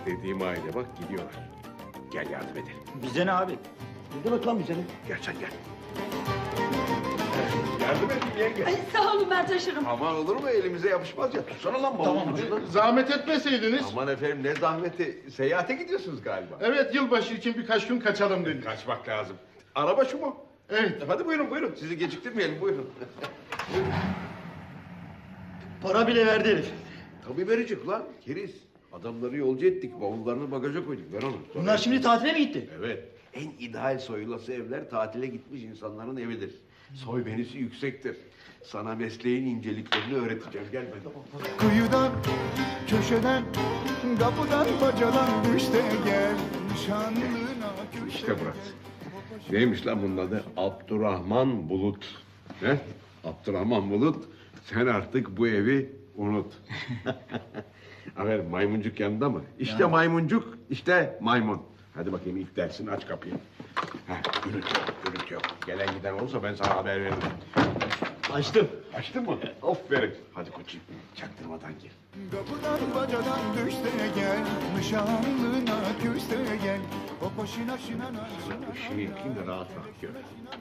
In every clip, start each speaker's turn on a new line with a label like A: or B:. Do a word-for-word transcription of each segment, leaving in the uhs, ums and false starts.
A: Dediğim aile bak gidiyorlar. Gel yardım edelim.
B: Bize ne abi?
C: Ne demek lan bize ne?
A: Gel sen gel. Yardım edin yenge.
D: Ay sağ olun ben taşırım.
A: Aman olur mu elimize yapışmaz ya. Tutsana lan
C: Tamam,
A: ucundan.
E: Zahmet etmeseydiniz.
A: Aman efendim ne zahmeti. Seyahate gidiyorsunuz galiba.
E: Evet, yılbaşı için birkaç gün kaçalım dedik.
A: Kaçmak lazım. Araba şu mu?
E: Evet.
A: Hadi buyurun buyurun. Sizi geciktirmeyelim buyurun.
B: Para bile verdi herif.
A: Tabii verecek lan. Keriz. Adamları yolcu ettik. Bavullarını bagaja koyduk. Ver onu. Sonra-
B: Bunlar şimdi tatile mi gitti?
A: Evet. En ideal soyulası evler tatile gitmiş insanların evidir. Soy benisi yüksektir. Sana mesleğin inceliklerini öğreteceğim. Gel ben.
F: Kıyıdan, köşeden, kapıdan, bacadan düş de gel. Şanlına köşeden.
A: İşte burası. Neymiş lan bunun adı? Abdurrahman Bulut. He? Abdurrahman Bulut. Sen artık bu evi unut. Aferin maymuncuk yanında mı? İşte maymuncuk, işte maymun. Hadi bakayım ilk dersini aç kapıyı. Heh, gürültü yok, gürültü yok. Gelen giden olursa ben sana haber veririm.
B: Açtım.
A: Açtın mı? Aferin. Hadi koçum, çaktırmadan gir.
F: Kapıdan, bacadan düş de gel. Şanlına küs de gel. O başına şinana.
A: Işığı yakayım da rahat rahat gör.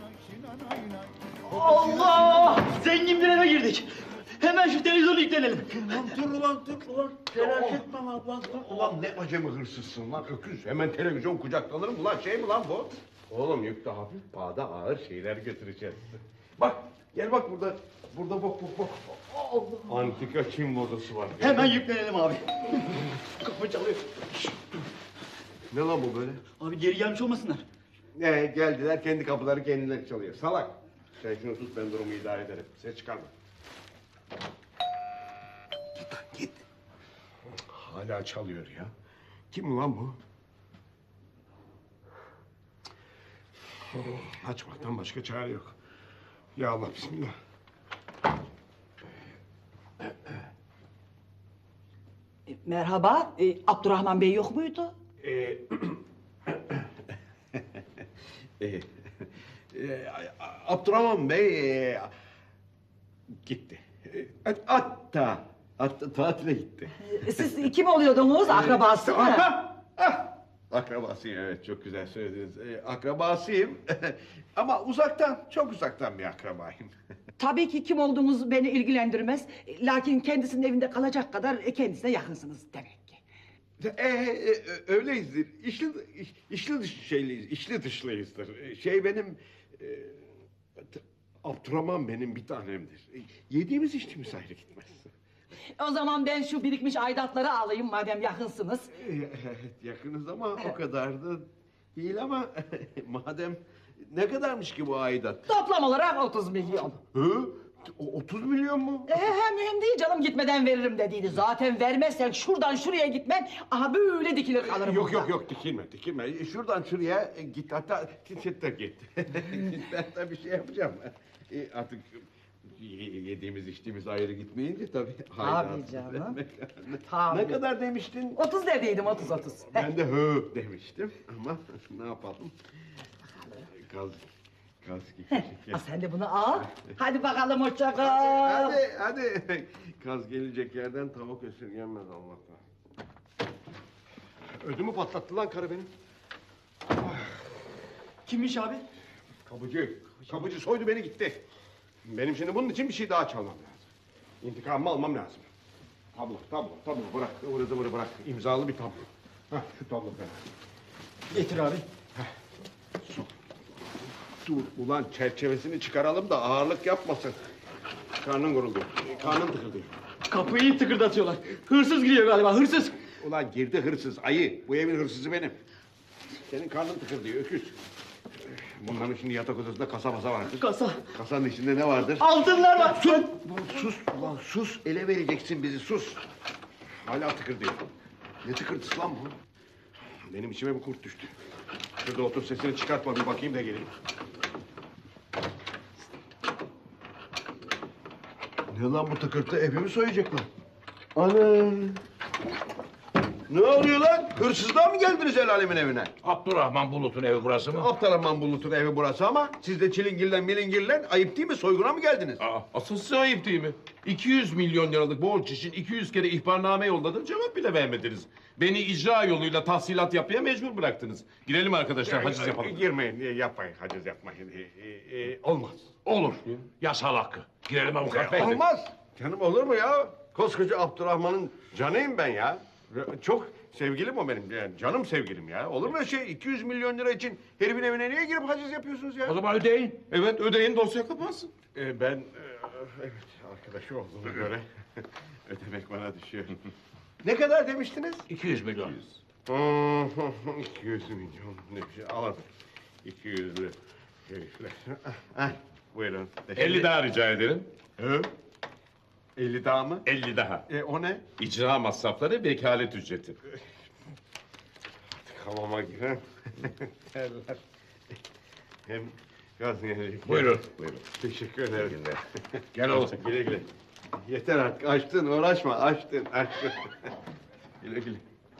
B: Allah! Zengin bir eve girdik. Hemen şu televizyonu yüklenelim.
A: Ulan dur ulan dur ulan. Telaş etme lan ulan dur. Ulan ne acemi hırsızsın lan öküz. Hemen televizyon kucaklanır mı lan şey mi lan bu? Oğlum yükte hafif pahada ağır şeyler götüreceğiz. Bak gel bak burada. Burada bak bak bak. Allah. Antika Çin modası var.
B: Hemen yüklenelim abi. Kapı çalıyor.
A: Ne lan bu böyle?
B: Abi geri gelmiş olmasınlar.
A: Ne geldiler kendi kapıları kendileri çalıyor. Salak. Sen şunu tut ben durumu idare ederim. Ses çıkarma. Git lan git. Hala çalıyor ya. Kim lan bu? Açmaktan başka çare yok. Ya Allah bismillah.
D: E, merhaba, e, Abdurrahman Bey yok muydu?
A: Ee, e, e, Abdurrahman Bey e, gitti. E, Hatta hatta tatile gitti.
D: E, siz kim oluyordunuz, akrabası mı?
A: Ah, ah, akrabasıyım evet çok güzel söylediniz. E, akrabasıyım ama uzaktan çok uzaktan bir akrabayım.
D: Tabii ki kim olduğunuz beni ilgilendirmez. E, Lakin kendisinin evinde kalacak kadar e, kendisine yakınsınız demek ki.
A: E, e, öyleyizdir. İşli, iş- işli dış şeyliyiz, işli dışlıyızdır. E, Şey benim... E, t- Abdurrahman benim bir tanemdir. E, Yediğimiz içtiğimiz ayrı gitmez.
D: O zaman ben şu birikmiş aidatları alayım madem yakınsınız.
A: E, Evet, yakınız ama o kadar da değil ama madem ne kadarmış ki bu aidat?
D: Toplam olarak otuz milyon.
A: Hı? O- otuz milyon mu?
D: E, he, mühim değil canım gitmeden veririm dediydi. Zaten vermezsen şuradan şuraya gitmen aha böyle dikilir kalırım.
A: Yok
D: burada.
A: yok yok dikilme dikilme. E, Şuradan şuraya e, git hatta git de git. Ben de bir şey yapacağım. E, artık y- yediğimiz içtiğimiz ayrı gitmeyince tabii. haydat
D: canım.
A: vermek.
D: Tabii.
A: Ne kadar demiştin?
D: Otuz dediydim otuz otuz.
A: Ben de hı demiştim ama ne yapalım? Kaz, kaz gibi
D: Ha, sen de bunu al. Hadi bakalım hoşça kal.
A: Hadi hadi. Kaz gelecek yerden tavuk esirgenmez Allah'tan. Ödümü patlattı lan karı benim.
B: Kimmiş abi?
A: Kapıcı. Kapıcı soydu beni gitti. Benim şimdi bunun için bir şey daha çalmam lazım. İntikamımı almam lazım. Tablo, tablo, tablo bırak. Ivırı zıvırı bırak. İmzalı bir tablo. Hah şu tablo falan.
B: Getir abi.
A: Dur ulan çerçevesini çıkaralım da ağırlık yapmasın. Karnın guruldu. Karnın tıkıldı.
B: Kapıyı tıkırdatıyorlar. Hırsız giriyor galiba, hırsız.
A: Ulan girdi hırsız, ayı. Bu evin hırsızı benim. Senin karnın tıkırdıyor, öküz. Bunların şimdi yatak odasında kasa masa vardır.
B: Kasa.
A: Kasanın içinde ne vardır?
B: Altınlar var.
A: Sus! Sus ulan sus! Ele vereceksin bizi, sus! Hala tıkırdıyor. Ne tıkırtısı lan bu? Benim içime bir kurt düştü. Şurada otur sesini çıkartma bir bakayım da geleyim. Ne lan bu tıkırtı? Evimi soyacaklar. Ana! Ne oluyor lan? Hırsızlığa mı geldiniz el alemin evine?
C: Abdurrahman Bulut'un evi burası mı?
A: Abdurrahman Bulut'un evi burası ama siz de çilingirlen milingirlen ayıp değil mi? Soyguna mı geldiniz?
C: Aa, asıl size ayıp değil mi? iki yüz milyon liralık borç için iki yüz kere ihbarname yolladım, cevap bile vermediniz. Beni icra yoluyla tahsilat yapmaya mecbur bıraktınız. Girelim arkadaşlar, haciz yapalım.
A: Girmeyin, yapmayın, haciz yapmayın. Ee, e, e, olmaz.
C: Olur. Yasal hakkı. Girelim avukat bey.
A: Olmaz. Canım olur mu ya? Koskoca Abdurrahman'ın canıyım ben ya. Çok sevgilim o benim. Yani canım sevgilim ya. Olur mu öyle şey? iki yüz milyon lira için herifin evine niye girip haciz yapıyorsunuz ya?
C: O zaman ödeyin. Evet, ödeyin, dosya kapansın.
A: Ee, ben, e, evet, arkadaşı olduğuma göre ödemek bana düşüyor. Ne kadar demiştiniz?
C: iki yüz milyon.
A: Hmm, iki yüz milyon ne bir şey alalım. iki yüzlü herifler. Ah, buyurun.
C: elli daha rica ederim.
A: Hı? elli daha mı?
C: elli daha.
A: E, o ne?
C: İcra masrafları, vekalet ücreti.
A: Hamama giren terler. Hem gaz gelecek.
C: Buyurun. Buyurun.
A: Teşekkür ederim.
C: Gel oğlum.
A: Güle güle. Yeter artık. Açtın, uğraşma. Açtın, açtın. Güle güle.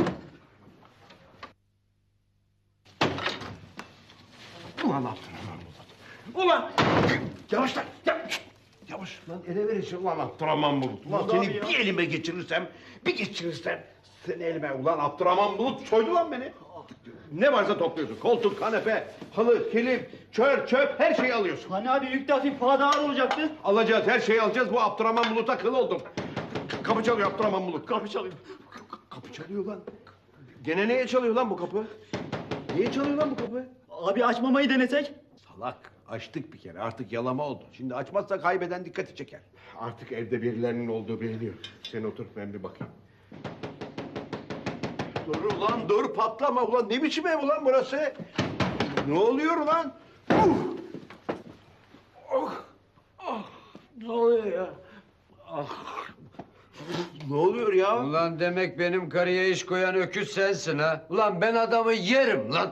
A: Ulan Abdurrahman Bulut. Ulan! Yavaş lan! Yavaş! Yavaş lan ele verirsin ulan Abdurrahman Bulut. Ulan seni bir elime geçirirsem, bir geçirirsem seni elime ulan Abdurrahman Bulut soydu lan beni. Ne varsa topluyorsun. Koltuk, kanepe, halı, kilim, çör, çöp her şeyi alıyorsun.
B: Hani abi yük de hafif para da ağır olacaktı.
A: Alacağız, her şeyi alacağız. Bu Abdurrahman Bulut'a kıl oldum. K- Kapı çalıyor Abdurrahman Bulut.
B: Kapı çalıyor.
A: Kapı çalıyor lan. Gene neye çalıyor lan bu kapı? Niye çalıyor lan bu kapı?
B: Abi açmamayı denesek?
A: Salak. Açtık bir kere. Artık yalama oldu. Şimdi açmazsa kaybeden dikkati çeker. Artık evde birilerinin olduğu biliniyor. Sen otur ben bir bakayım. Dur ulan dur patlama ulan. Ne biçim ev ulan burası? Ne oluyor ulan? Uh! Oh! Ah! Ne oluyor ya? Ah! Ne oluyor ya?
G: Ulan demek benim karıya iş koyan öküz sensin ha. Ulan ben adamı yerim lan.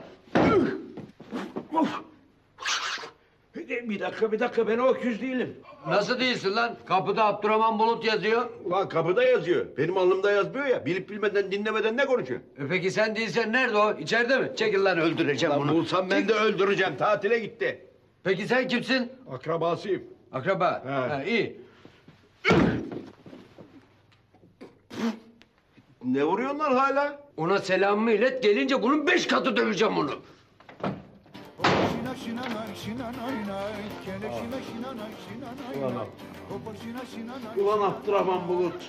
A: Bir dakika bir dakika ben o öküz değilim.
G: Nasıl değilsin lan? Kapıda Abdurrahman Bulut yazıyor.
A: Ulan kapıda yazıyor. Benim alnımda yazmıyor ya. Bilip bilmeden dinlemeden ne konuşuyor?
G: E peki sen değilsen nerede o? İçeride mi? Çekil lan öldüreceğim
A: Ulan
G: bunu.
A: bulsam ben de öldüreceğim. Tatile gitti.
G: Peki sen kimsin?
A: Akrabasıyım.
G: Akraba.
A: He.
G: Ha, iyi.
A: Ne vuruyorsun lan hala?
G: Ona selamımı ilet, gelince bunun beş katı döveceğim onu.
F: Şina şina nay şina nay nay. Kele şina şina nay şina nay nay. Hopa şina şina nay.
A: Ulan Abdurrahman Bulut.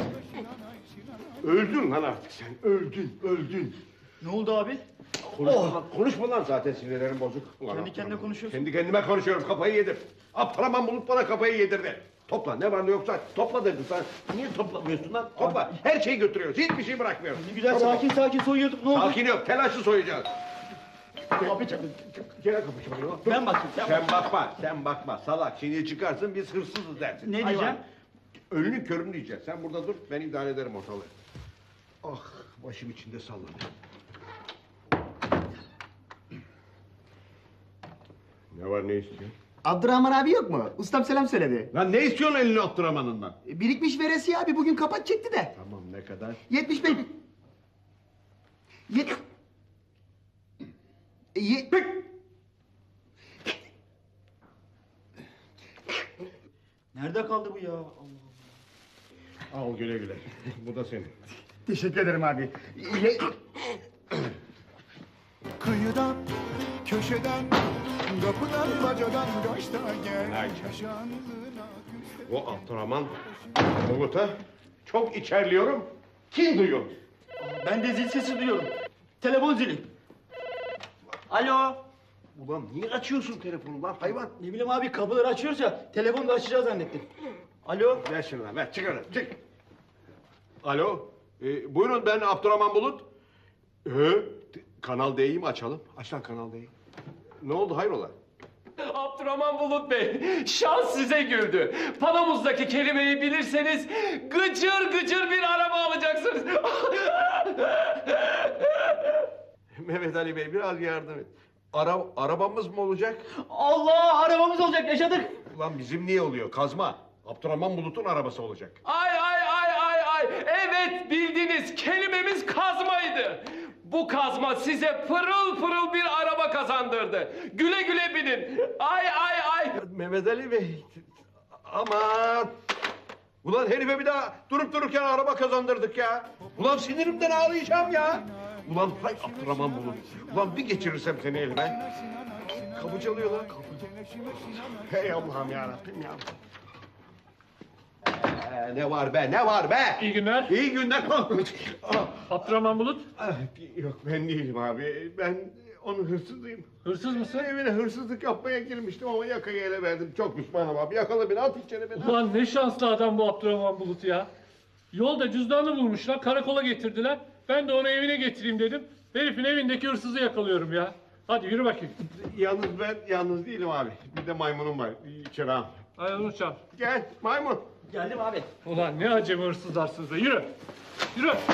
A: Öldün lan artık sen. Öldün, öldün.
B: Ne oldu abi?
A: Konuşma, lan, konuşma lan zaten sinirlerim bozuk. Ulan
B: Kendi kendine
A: Abdurrahman.
B: konuşuyorsun.
A: Kendi kendime konuşuyorum. Kafayı yedim. Abdurrahman Bulut bana kafayı yedirdi. Topla ne var ne yoksa topla dedim sana. Niye toplamıyorsun lan? Topla. Her şeyi götürüyoruz. Hiçbir şey bırakmıyoruz.
B: Ne güzel
A: Topla.
B: sakin sakin soyuyorduk. Ne oldu?
A: Sakin yok. Telaşlı soyacağız.
B: Abi çabuk.
A: Gene kapı çalıyor.
B: Ben bakayım. Sen
A: Sen bakma, sen bakma. Salak şimdi çıkarsın biz hırsızız dersin.
B: Ne
A: Hayvan.
B: diyeceğim?
A: Önünü körünü diyeceksin. Sen burada dur, ben idare ederim ortalığı. Ah, başım içinde sallanıyor. Ne var ne istiyorsun?
H: Abdurrahman abi yok mu? Ustam selam söyledi.
A: Lan ne istiyorsun elini Abdurrahman'ından?
H: Birikmiş veresiye abi bugün kapat çekti de.
A: Tamam ne kadar?
H: yetmiş beş... Yet... Ye...
B: Nerede kaldı bu ya? Allah Allah.
A: Al güle güle. Bu da senin.
H: Teşekkür ederim abi. Ye...
F: Kıyıdan, köşeden, kapıdan, bacadan kaçta gel.
A: Ay.
F: Şanlına küste.
A: Bu Abdurrahman Bulut'a çok içerliyorum. Kim duyuyor?
B: Ben de zil sesi duyuyorum. Telefon zili. Alo.
A: Ulan niye açıyorsun telefonu lan hayvan?
B: Ne bileyim abi kapıları açıyoruz ya. Telefonu da açacağız zannettim. Alo.
A: Ver şunu lan, ver çık oradan, çık. Alo, e, buyurun ben Abdurrahman Bulut. Ee, t- Kanal D'yi mi açalım? Aç lan Kanal D'yi. Ne oldu hayrola?
I: Abdurrahman Bulut Bey, şans size güldü. Panomuzdaki kelimeyi bilirseniz gıcır gıcır bir araba alacaksınız.
A: Mehmet Ali Bey biraz yardım et. Ara, arabamız mı olacak?
B: Allah arabamız olacak yaşadık.
A: Ulan bizim niye oluyor? Kazma. Abdurrahman Bulut'un arabası olacak.
I: Ay ay ay ay ay. Evet bildiniz, kelimemiz kazmaydı. Bu kazma size pırıl pırıl bir araba kazandırdı. Güle güle binin. Ay ay ay.
A: Mehmet Ali Bey. Aman. Ulan herife bir daha durup dururken araba kazandırdık ya. Ulan sinirimden ağlayacağım ya. Ulan hay Abdurrahman Bulut. Ulan bir geçirirsem seni elime. Kapı çalıyor lan. Kapı. Hey Allah'ım yarabbim ya. Ee, ne var be, ne var be?
J: İyi günler.
A: İyi günler. Ah,
J: Abdurrahman Bulut.
A: ah, Yok ben değilim abi. Ben onun hırsızıyım.
J: Hırsız mısın?
A: Evine hırsızlık yapmaya girmiştim ama yakayı ele verdim. Çok pişmanım abi. Yakala beni, at içeri beni.
J: Ulan ne şanslı adam bu Abdurrahman Bulut ya. Yolda cüzdanını bulmuşlar, karakola getirdiler. Ben de onu evine getireyim dedim. Herifin evindeki hırsızı yakalıyorum ya. Hadi yürü bakayım.
A: Yalnız ben yalnız değilim abi. Bir de maymunum var. İçeri al.
J: Hadi onu çal.
A: Gel maymun.
B: Geldim abi.
J: Ulan ne acemi hırsızlarsınız da yürü. Yürü.